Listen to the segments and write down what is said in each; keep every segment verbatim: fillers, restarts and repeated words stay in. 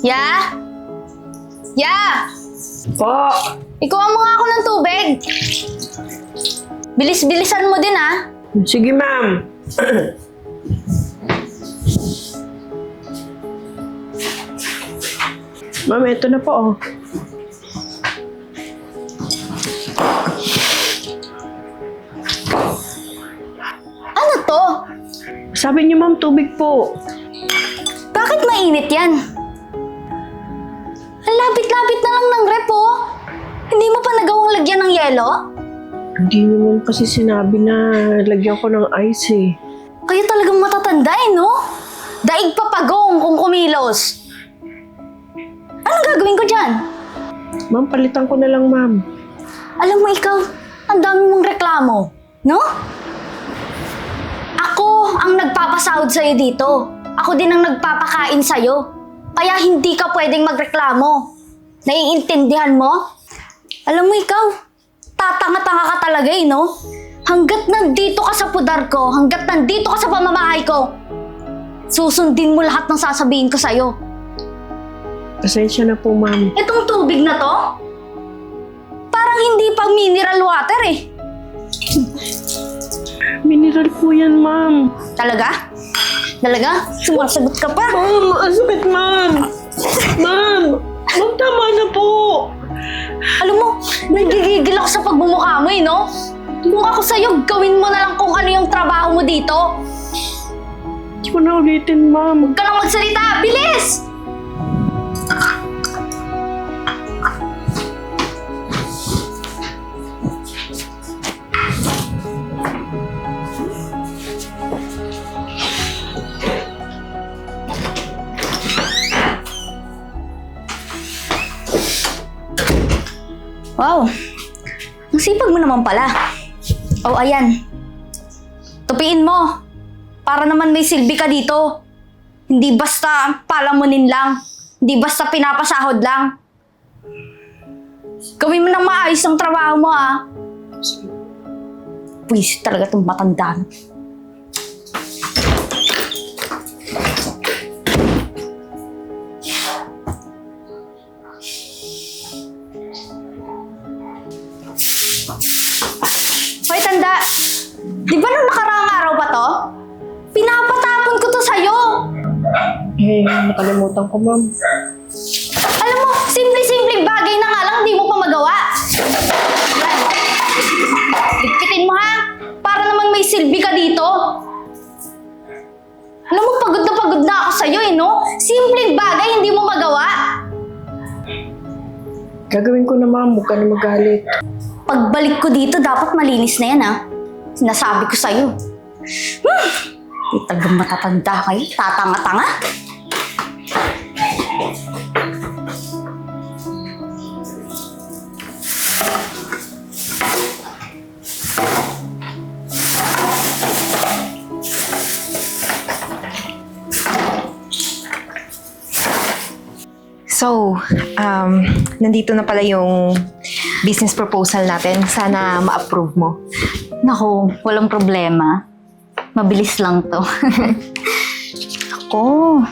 Ya? Ya! Po! Ikuha mo nga ako ng tubig. Bilis-bilisan mo din, ah. Sige, ma'am. Ma'am, ito na po, oh. Ano to? Sabi niyo, ma'am, tubig po. Bakit mainit yan? Ang lapit-lapit na lang ng rep, oh. Hindi mo pa nagawang lagyan ng yelo? Hindi niyo ma'am kasi sinabi na lagyan ko ng ice, eh. Kayo talagang matatanda, eh, no? Daig pa pagong kung kumilos. Anong gagawin ko dyan? Ma'am, palitan ko na lang, ma'am. Alam mo ikaw, ang dami mong reklamo, no? Ako ang nagpapasahod sa'yo dito. Ako din ang nagpapakain sa'yo. Kaya hindi ka pwedeng magreklamo. Naiintindihan mo? Alam mo ikaw, tatanga-tanga ka talaga eh, no? Hanggat nandito ka sa pudar ko, hanggat nandito ka sa pamamahay ko, susundin mo lahat ng sasabihin ko sa'yo. Pasensya na po, ma'am. Itong tubig na to, parang hindi pang mineral water eh. Mineral po yan, ma'am. Talaga? Talaga? Sumasagot ka pa? Ma'am, ang sakit, ma'am. Ma'am, ma'am, tama na po. Alam mo, nagigigil ako sa pagbumukha mo eh, no? Kung ako sa'yo, gawin mo na lang kung ano yung trabaho mo dito. Hindi ko na ulitin, ma'am. Huwag ka lang magsalita! Bilis! Wow! Ang sipag mo naman pala. Oh, ayan. Tupiin mo. Para naman may silbi ka dito. Hindi basta palamunin lang. Hindi basta pinapasahod lang. Gawin mo nang maayos ang trabaho mo, ah. Pwisit talaga itong matanda. Hoy, tanda! Di ba nung nakaraang araw pa to? Pinapatapon ko to sa'yo! Eh, nakalimutan ko, ma'am. Alam mo, simple-simple bagay na nga lang, di mo pa magawa. Yan. Ligpitin mo, ha? Para naman may silbi ka dito. Alam mo, pagod na pagod na ako sa'yo, eh, no? Simpleng bagay, hindi mo magawa. Gagawin ko na, ma'am. Huwag ka na magalit. Pagbalik ko dito, dapat malinis na yan, ha? Sinasabi ko sa'yo. Hmm. Di talagang matatanda kayo. Tatanga-tanga. So, um, nandito na pala yung business proposal natin. Sana ma-approve mo. Naku, walang problema. Mabilis lang to. Ako.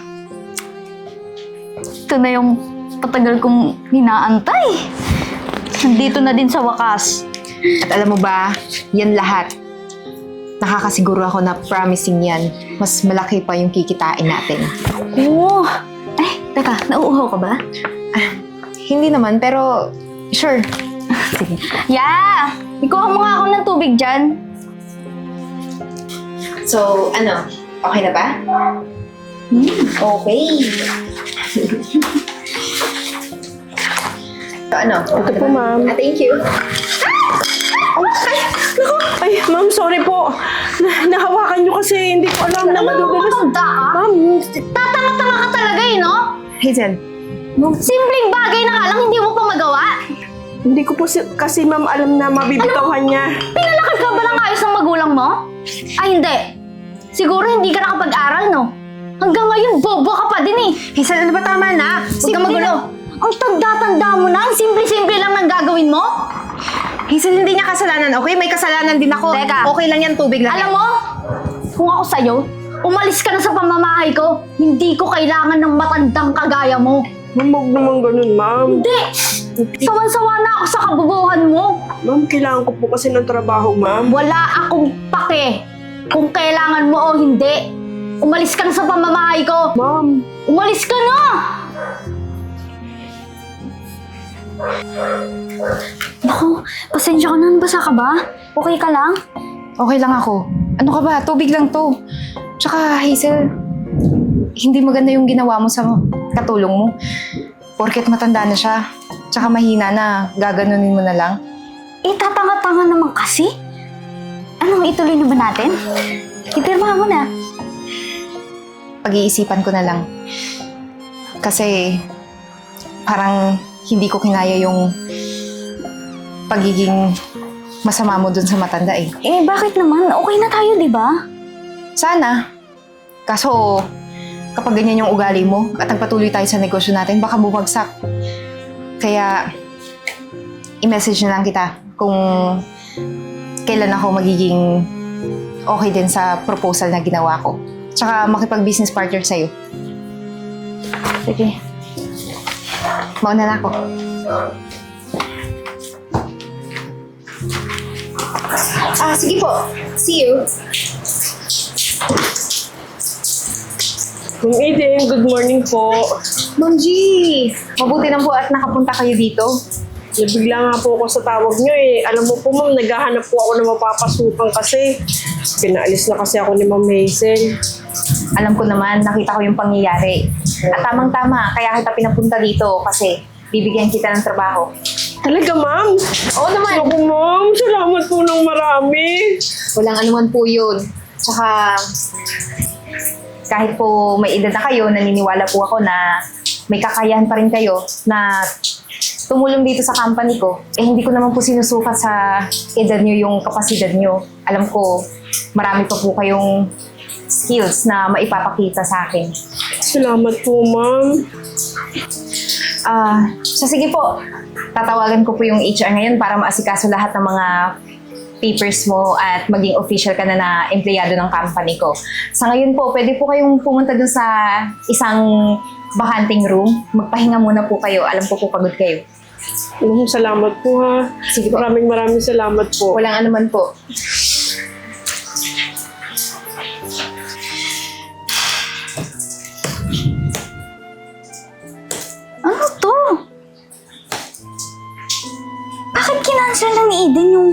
Ito na yung patagal kong hinaantay. Nandito na din sa wakas. At alam mo ba, yan lahat. Nakakasiguro ako na promising yan. Mas malaki pa yung kikitain natin. Oo. Eh, teka, nauuhaw ka ba? Ah, hindi naman, pero sure. Sige. Yeah! Ikuha mo nga ako ng tubig dyan. So, ano? Okay na ba? Hmm. Okay. So, ano? Ito po, ma'am. Ah, thank you. Ay, ma'am, sorry po. Na nahawakan niyo kasi hindi ko alam na madudulas. Matanda ka? Ma'am, Tatanga-tanga ka talaga eh, no? Hazel, Simpleng bagay na nga lang, hindi mo pa magawa. hindi ko po si kasi ma'am alam na mabibitawan niya. Pinalakad ka ba ng ayos ng magulang mo? Ay, hindi. Siguro hindi ka nakapag-aral, no? Hanggang ngayon, bobo ka pa din eh. Hazel, ano ba tama na? Huwag Simple ka magulo. lang. Ang tanda-tanda mo na, ang simple-simple lang ang gagawin mo. Hazel, hindi niya kasalanan, okay? May kasalanan din ako. Teka. Okay lang yan, tubig lang. Alam mo, kung ako sa'yo, umalis ka na sa pamamahay ko. Hindi ko kailangan ng matandang kagaya mo. Ma'am, huwag naman ganun, ma'am. Hindi! Sawan-sawa na ako sa kabubuhan mo. Ma'am, kailangan ko po kasi ng trabaho, ma'am. Wala akong pake kung kailangan mo o hindi. Umalis ka na sa pamamahay ko. Ma'am, Umalis ka na! Naku, pasensya ka na. Basa ka ba? Okay ka lang? Okay lang ako. Ano ka ba? Tubig lang to. Tsaka, Hazel, hindi maganda yung ginawa mo sa katulong mo. Porket matanda na siya. Tsaka mahina na, gaganunin mo na lang. Eh, tatanga-tanga naman kasi. Anong ituloy na ba natin? Ipirma mo na. Pag-iisipan ko na lang. Kasi, parang hindi ko kinaya yung pagiging masama mo dun sa matanda eh. Eh, bakit naman? Okay na tayo, di ba? Sana. Kaso, kapag ganyan yung ugali mo at nagpatuloy tayo sa negosyo natin, baka bumagsak. Kaya, i-message na lang kita kung kailan ako magiging okay din sa proposal na ginawa ko. Tsaka makipag-business partner sa'yo. Sige. Mauna na ako. Ah, sige po. See you. Ma'am Eden, good morning po. Ma'am G! Mabuti na po at nakapunta kayo dito. Nabigla nga po ako sa tawag nyo eh. Alam mo po ma'am, naghahanap po ako ng mapapasukan kasi. Pinaalis na kasi ako ni Ma'am Hazel. Alam ko naman, nakita ko yung pangyayari. At tamang-tama, kaya kita pinapunta dito kasi bibigyan kita ng trabaho. Talaga ma'am? Oo naman! Naku ma'am, salamat po ng marami. Walang anuman po yun. Tsaka, kahit po may edad na kayo, naniniwala po ako na may kakayahan pa rin kayo na tumulong dito sa company ko. Eh, hindi ko naman po sinusukat sa edad nyo yung kapasidad nyo. Alam ko, marami pa po kayong skills na maipapakita sa akin. Salamat po ma'am. Ah, so sige po. Tatawagan ko po yung H R ngayon para maasikaso lahat ng mga papers mo at maging official ka na na empleyado ng company ko. Sa ngayon po, pwede po kayong pumunta dun sa isang bakanting room. Magpahinga muna po kayo. Alam ko po pagod kayo. Ma'am, salamat po ha. Sige po. Maraming maraming salamat po. Walang anuman po. Ano to? Bakit kinansel na ni Eden yung...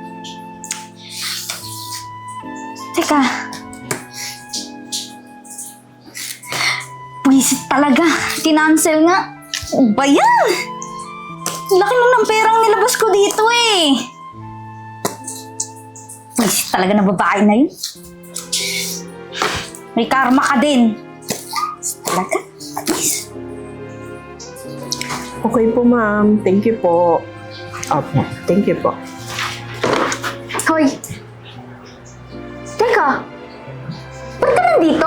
Teka. Pwisit talaga. Kinansel nga. Ano ba yan? Laki lang ng perang nilabas ko dito eh. Pwisit talaga na babae na yun. May karma ka din. Talaga? Atis. Okay po ma'am. Thank you po. Opo, thank you po. Hoy! Teka! Ba't ka nandito?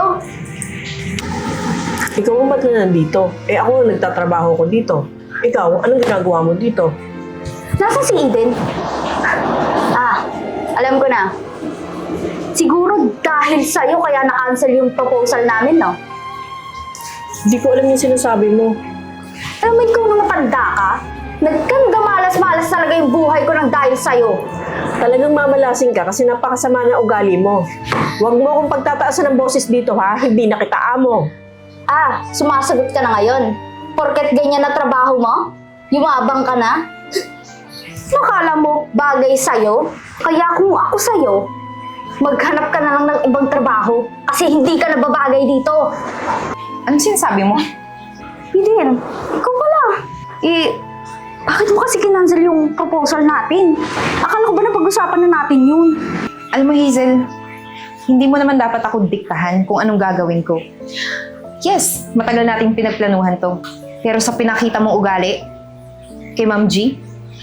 Ikaw ang ba't na nandito? Eh ako ang nagtatrabaho ko dito. Ikaw, anong ginagawa mo dito? Nasaan si Eden? Ah, alam ko na. Siguro dahil sa'yo kaya na-cancel yung proposal namin, no? Hindi ko alam yung sinasabi mo. Alam mo, ikaw na matanda ka? Nagkanda malas-malas talaga yung buhay ko ng dahil sa'yo. Talagang mamalasing ka kasi napakasama na ugali mo. Huwag mo akong pagtataasan ng boses dito ha, hindi na kita amo. Ah, sumasagot ka na ngayon. Porket ganyan na trabaho mo? Yumabang ka na? Nakala mo bagay sa'yo? Kaya kung ako sa'yo, maghanap ka na lang ng ibang trabaho kasi hindi ka nababagay dito. Anong sinasabi mo? Eden, ikaw pala. Eh, bakit mo kasi kinancel yung proposal natin? Akala ko ba na pag-usapan na natin yun? Alam mo, Hazel, hindi mo naman dapat ako diktahan kung anong gagawin ko. Yes, matagal nating pinagplanuhan to. Pero sa pinakita mong ugali, kay Ma'am G,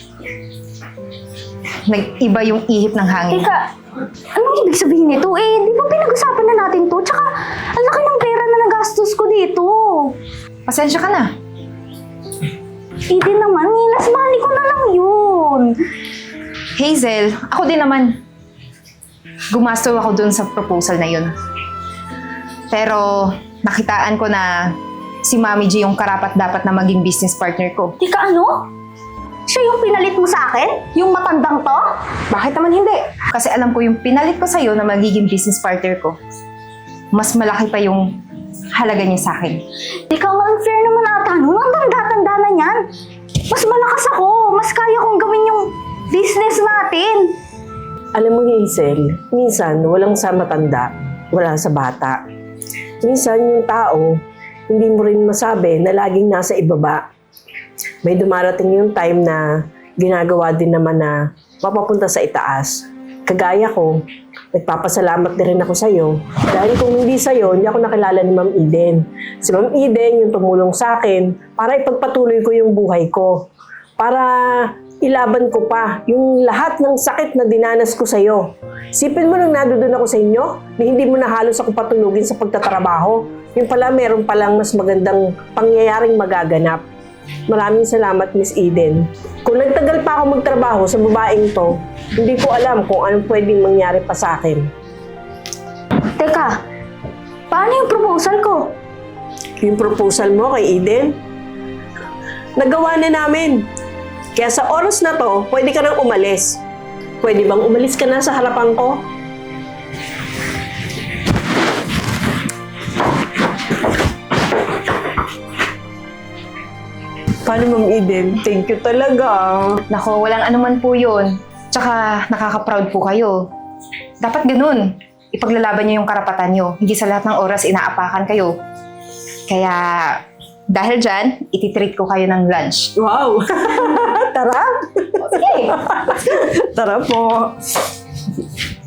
nag-iba yung ihip ng hangin. Teka, anong ibig sabihin nito? Eh, di ba pinag-usapan na natin to? Tsaka, ang laki ng pera na nagastos ko dito. Pasensya ka na. Eden naman, nilas money ko na lang yun. Hazel, ako din naman. Gumasto ako dun sa proposal na yun. Pero nakitaan ko na si Mami G yung karapat dapat na maging business partner ko. Tika ano? Siya yung pinalit mo sa akin? Yung matandang to? Bakit naman hindi? Kasi alam ko yung pinalit ko sa'yo na magiging business partner ko. Mas malaki pa yung halaga niya sa akin. Ikaw, ang unfair naman ata nun. Ang tanda-tanda na yan. Mas malakas ako. Mas kaya kong gawin yung business natin. Alam mo, Hazel, minsan walang sa matanda, wala sa bata. Minsan yung tao, hindi mo rin masabi na laging nasa ibaba. May dumarating yung time na ginagawa din naman na mapapunta sa itaas. Kagaya ko, nagpapasalamat din rin ako sa'yo. Dahil kung hindi sa'yo, hindi ako nakilala ni Ma'am Eden. Si Ma'am Eden yung tumulong sa akin para ipagpatuloy ko yung buhay ko. Para ilaban ko pa yung lahat ng sakit na dinanas ko sa'yo. Sipin mo nung nadoon ako sa inyo, na hindi mo na halos ako patulugin sa pagtatrabaho. Yung pala, meron palang mas magandang pangyayaring magaganap. Maraming salamat, Miss Eden. Kung nagtagal pa ako magtrabaho sa babaeng to, hindi ko alam kung anong pwedeng mangyari pa sa akin. Teka, paano yung proposal ko? Yung proposal mo kay Eden, nagawa na namin. Kaya sa oras na to, pwede ka nang umalis. Pwede bang umalis ka na sa harapan ko? Paano, Ma'am Eden? Thank you talaga. Nako, walang anuman po yun. Tsaka nakaka-proud po kayo. Dapat ganun. Ipaglalaban niyo yung karapatan niyo. Hindi sa lahat ng oras inaapakan kayo. Kaya dahil dyan, ititreat ko kayo ng lunch. Wow! Tara! Okay. Tara po!